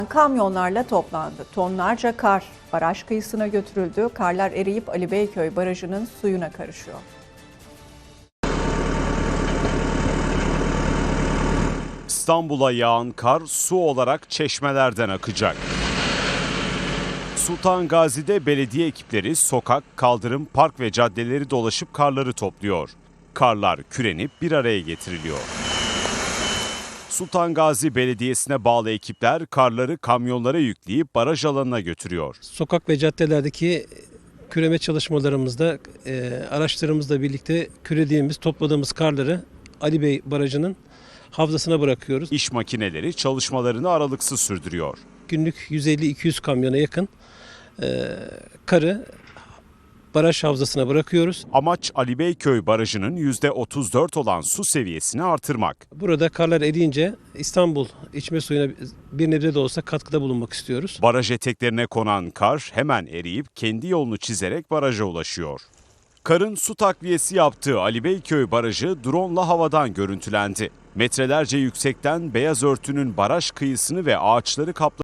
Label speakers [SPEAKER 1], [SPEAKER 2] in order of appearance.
[SPEAKER 1] Kamyonlarla toplandı. Tonlarca kar baraj kıyısına götürüldü. Karlar eriyip Ali Beyköy Barajı'nın suyuna karışıyor.
[SPEAKER 2] İstanbul'a yağan kar su olarak çeşmelerden akacak. Sultan Gazi'de belediye ekipleri sokak, kaldırım, park ve caddeleri dolaşıp karları topluyor. Karlar kürenip bir araya getiriliyor. Sultan Gazi Belediyesi'ne bağlı ekipler karları kamyonlara yükleyip baraj alanına götürüyor.
[SPEAKER 3] Sokak ve caddelerdeki küreme çalışmalarımızda araçlarımızla birlikte kürediğimiz, topladığımız karları Ali Bey Barajı'nın havzasına bırakıyoruz.
[SPEAKER 2] İş makineleri çalışmalarını aralıksız sürdürüyor.
[SPEAKER 3] Günlük 150-200 kamyona yakın karı baraj havzasına bırakıyoruz.
[SPEAKER 2] Amaç Ali Beyköy Barajı'nın %34 olan su seviyesini artırmak.
[SPEAKER 3] Burada karlar eriyince İstanbul içme suyuna bir nebze de olsa katkıda bulunmak istiyoruz.
[SPEAKER 2] Baraj eteklerine konan kar hemen eriyip kendi yolunu çizerek baraja ulaşıyor. Karın su takviyesi yaptığı Ali Beyköy Barajı drone'la havadan görüntülendi. Metrelerce yüksekten beyaz örtünün baraj kıyısını ve ağaçları kapladı.